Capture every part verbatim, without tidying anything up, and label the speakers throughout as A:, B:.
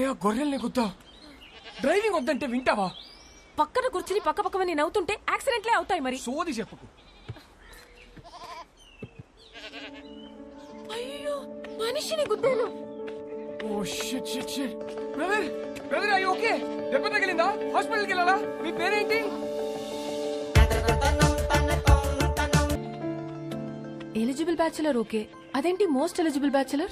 A: ఆ గొర్రెల్ని గుద్దా డ్రైవింగ్ వద్దంటే వింటావా?
B: పక్కన కూర్చుని పక్క పక్కమని నవ్వుతుంటే యాక్సిడెంట్లే అవుతాయి మరి.
A: సోది చెప్పుకు.
B: అయ్యో మనిషిని గుద్దాను.
A: ఓ shit shit shit. Brother brother అయ్యో ఓకే. దెబ్బ తగిలిందా? హాస్పిటల్కి వెళ్ళాలా? మీ పేరేంటి?
B: ఎలిజిబుల్ బ్యాచులర్ ఓకే, అదేంటి మోస్ట్ ఎలిజిబుల్ బ్యాచులర్?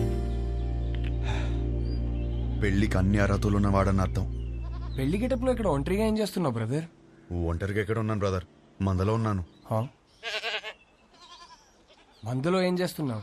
C: పెళ్లికి అన్ని అర్హతలు ఉన్నవాడని అర్థం.
A: పెళ్లి గెటప్లో ఇక్కడ ఒంటరిగా ఏం చేస్తున్నావు బ్రదర్?
C: ఒంటరిగా ఎక్కడ ఉన్నాను బ్రదర్, మందలో ఉన్నాను.
A: మందులో ఏం చేస్తున్నావు?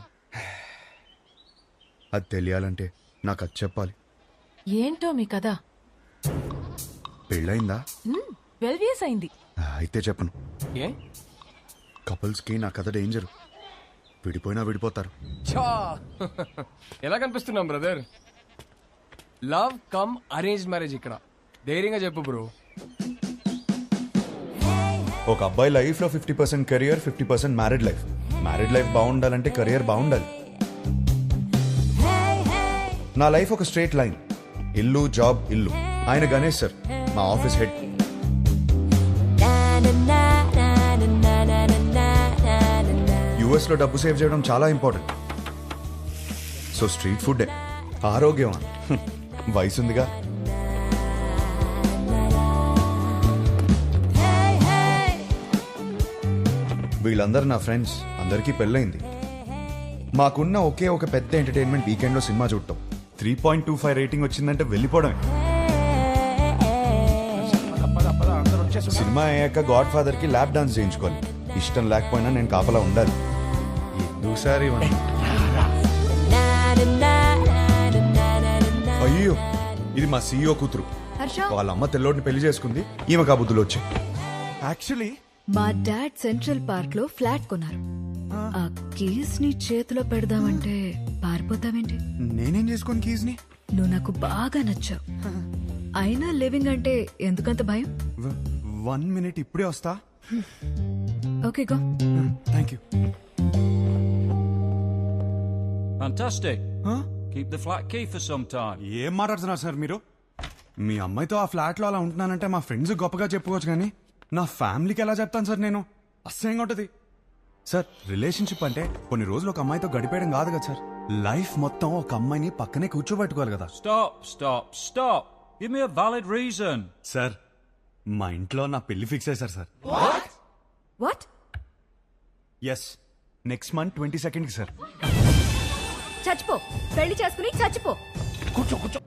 C: అది తెలియాలంటే నాకు అది చెప్పాలి.
B: ఏంటో మీ కదా?
C: పెళ్ళయిందా?
B: ట్వెల్వ్ ఇయర్స్ అయింది.
C: అయితే చెప్పను.
A: ఏ?
C: కపుల్స్ కి నా కథ డేంజర్. విడిపోయినా విడిపోతారు.
A: చా ఎలా కనిపిస్తున్నాం brother? Love come arrange marriage ఇక్కడ. ధైర్యంగా చెప్పు బ్రో.
C: ఒక అబ్బాయి లైఫ్ లో fifty percent career, fifty percent married life. Married life బాగుండాలంటే కెరియర్ బాగుండాలి. నా లైఫ్ ఒక స్ట్రేట్ లైన్. ఇల్లు, జాబ్, ఇల్లు. ఆయన గణేష్ సార్, మా ఆఫీస్ హెడ్. యుఎస్ లో డబ్బు సేవ్ చేయడం చాలా ఇంపార్టెంట్. సో స్ట్రీట్ ఫుడ్ ఆరోగ్యం. వయసుందిగా. వీళ్ళందరూ నా ఫ్రెండ్స్. అందరికీ పెళ్ళైంది. మాకున్న ఒకే ఒక పెద్ద ఎంటర్టైన్మెంట్ వీకెండ్ లో సినిమా చూడటం. Three point two five rating వచ్చిందంటే వెళ్ళిపోవడమే. సినిమా అయ్యాక గాడ్ ఫాదర్ కి ల్యాప్ డాన్స్ చేయించుకోవాలి. ఇష్టం లేకపోయినా నేను కాపలా ఉండాలి. ఎందుసారి అయ్యో, ఇది మా సీఈఓ కూతురు. వాళ్ళ అమ్మ తెల్లోడిని పెళ్లి చేసుకుంది. ఈమె కాబుద్దులు వచ్చాయి.
D: యాక్చువల్లీ
E: మా డాడ్ సెంట్రల్ పార్క్ లో ఫ్లాట్ కొన్నారు. ఆ కీస్ ని చేతిలో పెడదామంటే పారిపోతావేంటి?
D: నేనేం చేసుకోను కీస్ ని.
E: నువ్వు నాకు బాగా నచ్చావు. అయినా లివింగ్ అంటే ఎందుకంత భయం?
D: వన్ మినిట్, ఇప్పుడే వస్తా.
E: Okay go.
D: Thank you.
F: Fantastic.
D: Huh?
F: Keep the flat key for some time.
D: ఏం మాట్లాడుతున్నారు సార్ మీరు? మీ అమ్మాయితో ఆ ఫ్లాట్ లో అలా ఉంటున్నానంటే మా ఫ్రెండ్స్ గొప్పగా చెప్పుకోవచ్చు, కానీ నా ఫ్యామిలీకి ఎలా చెప్తాను సార్ నేను? అసహ్యంగా ఉంటది సార్. రిలేషన్షిప్ అంటే కొన్ని రోజులు ఒక అమ్మాయితో గడిపేయడం కాదు కదా సార్. లైఫ్ మొత్తం ఒక అమ్మాయిని పక్కనే కూర్చోబెట్టుకోవాలి కదా.
F: Stop, stop, stop. Give me a valid reason.
D: Sir, మా ఇంట్లో నా పెళ్లి ఫిక్స్ అయ్యారు sir.
E: What?
D: Yes, next month twenty second కి సార్.
E: చచ్చిపో, పెళ్లి చేసుకుని చచ్చిపో.
A: కూర్చో కూర్చో.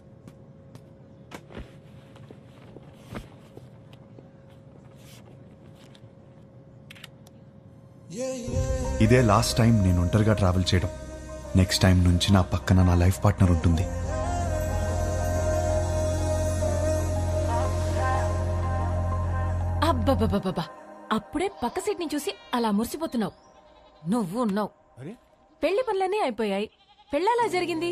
C: ఇదే లాస్ట్ టైం నేను ఒంటరిగా ట్రావెల్ చేయడం. నెక్స్ట్ టైం నుంచి నా పక్కన నా లైఫ్ పార్ట్నర్ ఉంటుంది.
B: అబ్బబ్బబ్బబ్బా, అప్పుడే పక్క సీట్ ని చూసి అలా మురిసిపోతున్నావు. నువ్వు ఉన్నావు. పెళ్లి పనులన్నీ అయిపోయాయి. పెళ్ళలా జరిగింది.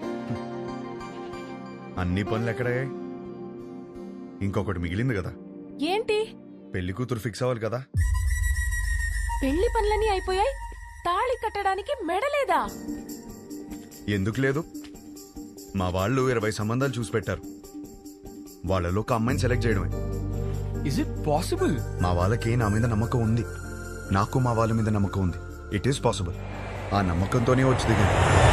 C: అన్ని పనులు ఎక్కడయ్యాయి? ఇంకొకటి మిగిలింది కదా.
B: ఏంటి?
C: పెళ్లి కూతురు ఫిక్స్ అవ్వాలి కదా.
B: పెళ్లి పనులన్నీ అయిపోయాయి, తాళి కట్టడానికి మెడలేదా?
C: ఎందుకు లేదు? మా వాళ్ళు ఇరవై సంబంధాలు చూసి పెట్టారు. వాళ్ళలో ఒక అమ్మాయిని సెలెక్ట్ చేయడమే.
A: Is it possible?
C: మా వాళ్ళకి నా మీద నమ్మకం ఉంది. నాకు మా వాళ్ళ మీద నమ్మకం ఉంది. It is possible. ఆ నమ్మకంతోనే వచ్చి దిగాను.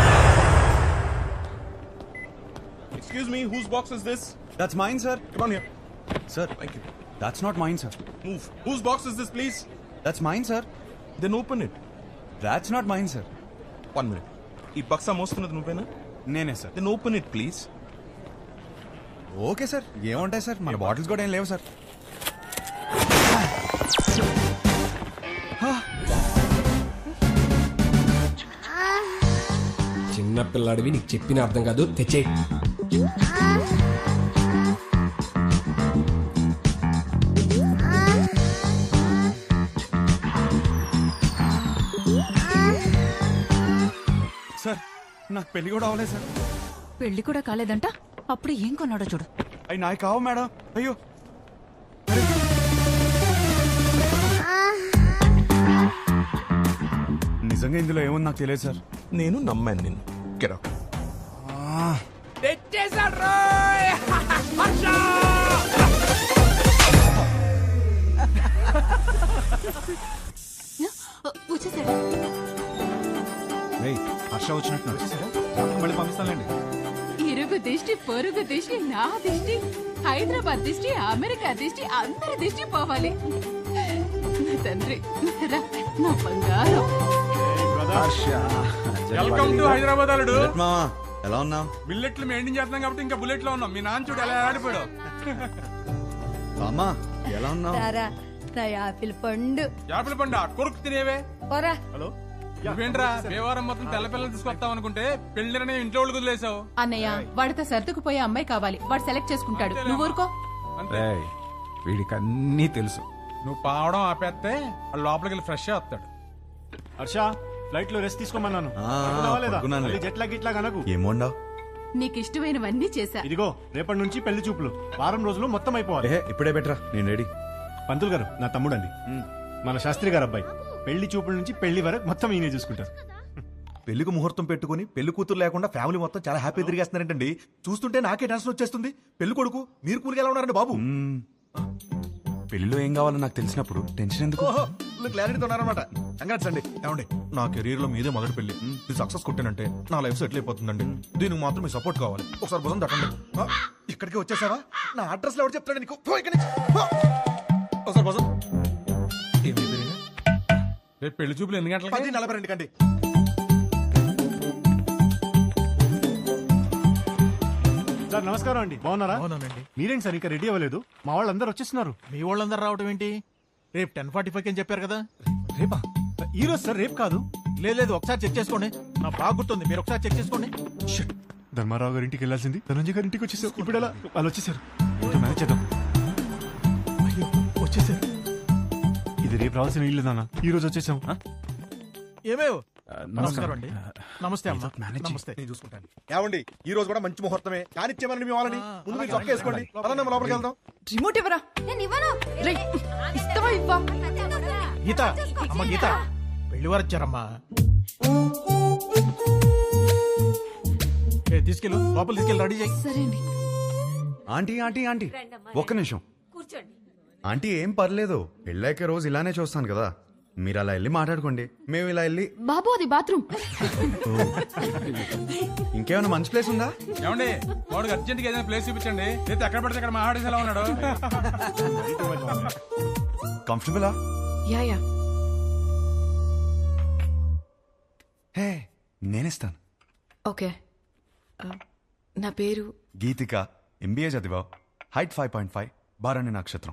G: Excuse me, whose box is this?
D: That's mine sir.
G: Come on here.
D: Sir,
G: Thank you.
D: That's not mine sir.
G: Move. Whose box is this, please?
D: That's mine sir.
G: Then open it.
D: That's not mine sir.
G: One minute. ఈ బక్సా మోస్తున్నది నువ్వేనా?
D: నేనే సార్.
G: Then open it, please.
D: Okay sir, ఏముంటాయి sir, మన bottles కూడా ఏం లేవు సార్.
A: చిన్న పిల్లాడివి, నీకు చెప్పిన అర్థం కాదు. తెచ్చే.
D: సార్, నాకు పెళ్లి కూడా అవ్వలేదు సార్.
E: పెళ్లి కూడా కాలేదంట, అప్పుడు ఏం కొన్నాడో చూడు.
D: అవి నాకు కావు మేడం. అయ్యో, నిజంగా ఇందులో ఏముంది నాకు తెలియదు సార్.
G: నేను నమ్మాను నిన్ను. Get out.
A: తెచ్చేసా.
B: వచ్చేసాడు.
D: రేయ్, హర్ష వచ్చినట్టున్నారు. మళ్ళీ పంపిస్తానండి.
H: ఇరుగు దిష్టి పొరుగు దిష్టి నా దిష్టి హైదరాబాద్ దిష్టి అమెరికా దిష్టి అందరి దిష్టి పోవాలి. నా తండ్రి రా, నా బంగారం.
G: వెల్కమ్ టు హైదరాబాద్ అల్లుడు.
C: మామా ఎలా ఉన్నావు?
G: బిల్లెట్లు మెయింటైన్ చేస్తున్నాం కాబట్టి ఇంకా బుల్లెట్ లో ఉన్నాం. మీ నాన్న చూడు ఎలా ఆడిపోయాడు.
C: అమ్మా ఎలా ఉన్నావు?
H: నా యాపిల్ పండు
G: యాపిల్ పండు కొరుకు తినేవే.
H: పోరా.
G: హలో నువ్వేంట్రా దేవారం మొత్తం తెల్ల పిల్లలు తీసుకొస్తావు అనుకుంటే పెళ్లిరనే ఇంట్లో వాళ్ళకి వదిలేసావు.
H: అన్నయ్య వాడితో సర్దుకుపోయే అమ్మాయి కావాలి, వాడు సెలెక్ట్ చేసుకుంటాడు. నువ్వు ఊరుకో.
G: అంతే.
F: వీడికి అన్నీ తెలుసు.
G: నువ్వు పావడం ఆపేస్తే వాడు లోపలికి వెళ్ళి ఫ్రెష్ వస్తాడు.
I: హర్ష ఫ్లైట్ లో రెస్ట్ తీసుకోమన్నాను.
C: ఆ,
I: పడుకున్నావా లేదా?
C: పడుకున్నానులే.
I: మళ్ళీ జెట్ లాగ్ గిట్ లాగ్ అనకు.
C: ఏం వండావు?
H: నీకు ఇష్టమైనవన్నీ చేశా.
I: ఇదిగో రేపటి నుంచి పెళ్లి చూపులు వారం రోజులు మొత్తం అయిపోవాలి.
C: ఏ ఇప్పుడే బెటరా, నేను రెడీ.
I: పంతులు గారు నా తమ్ముడండి, మన శాస్త్రి గారు అబ్బాయి. పెళ్లి చూపుల నుంచి పెళ్లి వరకు మొత్తం ఈయనే చూసుకుంటారు.
J: పెళ్లికి ముహూర్తం పెట్టుకుని పెళ్లి కూతురు లేకుండా ఫ్యామిలీ మొత్తం చాలా హ్యాపీ తిరిగేస్తున్నారంటండి. చూస్తుంటే నాకే టెన్షన్ వచ్చేస్తుంది. పెళ్లి కొడుకు మీరు కూలికి ఎలా ఉన్నారండి బాబు?
D: మ్మ్. పెళ్లిలో ఏం కావాలో నాకు తెలిసినప్పుడు టెన్షన్ ఎందుకు?
J: ఓహో క్లారిటీతో ఉన్నారనమాట. కంగ్రాట్స్ అండి. ఏమండి నా కెరీర్ లో మీదే మొదటి పెళ్లి. ఇది సక్సెస్ కొట్టానంటే నా లైఫ్ సెటిల్ అయిపోతుందండి. దీనికి మాత్రం మీ సపోర్ట్ కావాలి. ఒకసారి భుజం తట్టండి. ఆ, ఇక్కడికి వచ్చేసావా? నా అడ్రస్ లో ఎవరు చెప్తాడు నీకు? పో ఇక్కడి నుంచి. పో. ఒకసారి భుజం. ఏమి ఎదురుగా?
G: రేపు పెళ్లి చూపులు ఎన్ని గంటలకి?
J: పది నలభై రెండు కండి.
I: సార్ నమస్కారం అండి, బాగున్నారా?
J: అవునండి.
I: మీరేంటి సార్ ఇంకా రెడీ అవ్వలేదు? మా వాళ్ళందరూ వచ్చేస్తున్నారు.
J: మీ వాళ్ళందరూ రావడం ఏంటి? రేపు టెన్ ఫార్టీ ఫైవ్ అని చెప్పారు కదా.
I: రేపా? ఈ రోజు సార్, రేపు కాదు.
J: లేదు లేదు ఒకసారి చెక్ చేసుకోండి. నా బాగా గుర్తుంది, మీరు ఒకసారి చెక్ చేసుకోండి.
I: Shit. ధర్మారావు గారి ఇంటికి వెళ్ళాల్సింది ధనంజయ్ గారి ఇంటికి వచ్చేసారు. ఇప్పుడు ఎలా? వాళ్ళు వచ్చేసారు. ఇంకా మేనేజ్ చేద్దాం.
J: అయ్యో వచ్చేసారు.
I: ఇది రేపు రావాల్సిన ఇల్లు నాన్న, ఈ రోజు వచ్చేసాం.
J: ఏమేవ్ నమస్కారం అండి. నమస్తే అమ్మా.
D: మేనేజ్ చెయ్.
J: నమస్తే, నేను చూసుకుంటాను. ఏమండి ఈ రోజు కూడా మంచి ముహూర్తమే. కానిచ్చేమని మీ వాళ్ళని ముందు మీరు చొక్కా వేసుకోండి. పదండి, మనం లోపలికి వెళ్దాం.
H: రిమోట్ ఇవ్వరా. రేయ్, ఇస్తావా ఇవ్వా?
J: గీత అమ్మ గీత పెళ్లి వారు వచ్చారమ్మా. ఏ, తీసుకెళ్ళు లోపల తీసుకెళ్ళి రెడీ చేయి.
E: సరే అండి.
C: ఆంటీ ఆంటీ ఆంటీ ఒక్క నిమిషం. ఆంటీ ఏం పర్లేదు, పెళ్ళాక రోజు ఇలానే చూస్తాను కదా. మీరు అలా వెళ్ళి మాట్లాడుకోండి, మేము ఇలా వెళ్ళి.
E: బాబు అది బాత్రూమ్.
C: ఇంకేమైనా మంచి ప్లేస్ ఉందా?
G: ఏమండి వాడికి అర్జెంట్ గా ఏదైనా ప్లేస్ చూపించండి. లేదా ఎక్కడ పడితే అక్కడ మాట్లాడేసి ఎలా ఉన్నాడు.
C: కంఫర్టబులా?
E: Yeah yeah.
D: హే, నేనిస్తాను.
E: ఓకే. ఆ, నా పేరు
C: గీతిక, ఎంబీఏ చదివా, హైట్ ఫైవ్ పాయింట్ ఫైవ్, బారాణి నక్షత్రం.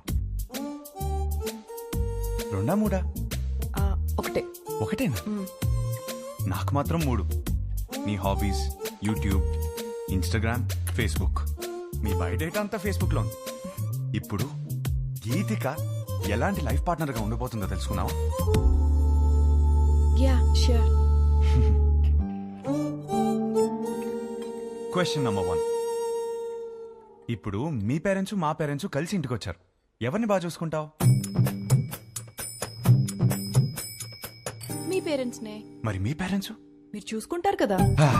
C: రెండా మూడా?
E: ఆ, ఒకటే.
C: ఒకటేనా? నాకు మాత్రం మూడు. నీ హాబీస్ యూట్యూబ్, ఇన్స్టాగ్రామ్, ఫేస్బుక్. మీ బయోడేటా అంతా ఫేస్బుక్ లో ఉంది. ఇప్పుడు గీతిక ఎలాంటి లైఫ్ పార్ట్నర్ గా ఉండిపోతుందో తెలుసుకున్నావా?
E: Yeah sure.
C: Question number one. ఇప్పుడు మీ పేరెంట్స్ మా పేరెంట్స్ కలిసి ఇంటికి వచ్చారు. ఎవరిని బాగా చూసుకుంటావు?
E: మీ పేరెంట్స్ నే.
C: మరి మీ పేరెంట్స్?
E: మీరు చూసుకుంటారు కదా.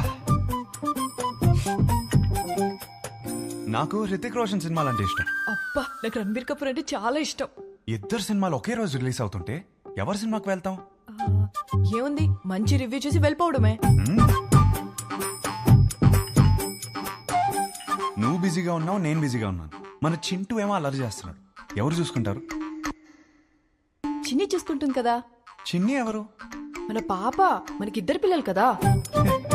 C: నాకు హృతిక్ రోషన్ సినిమాలంటే ఇష్టం.
E: అబ్బా, నాకు రణబీర్ కపూర్ అంటే చాలా ఇష్టం.
C: ఇద్దరు సినిమాలు ఒకే రోజు రిలీజ్ అవుతుంటే ఎవరి సినిమాకి వెళ్తాం?
E: ఆ, ఏముంది, మంచి రివ్యూ చూసి వెళ్ళిపోవడమే.
C: నువ్వు బిజీగా ఉన్నావు, నేను బిజీగా ఉన్నాను. మన చింటూ ఏమో అల్లరి చేస్తున్నాడు. ఎవరు చూసుకుంటారు?
E: చిన్ని చూసుకుంటుంది కదా.
C: చిన్ని ఎవరు?
E: మన పాప. మనకిద్దరు పిల్లలు కదా.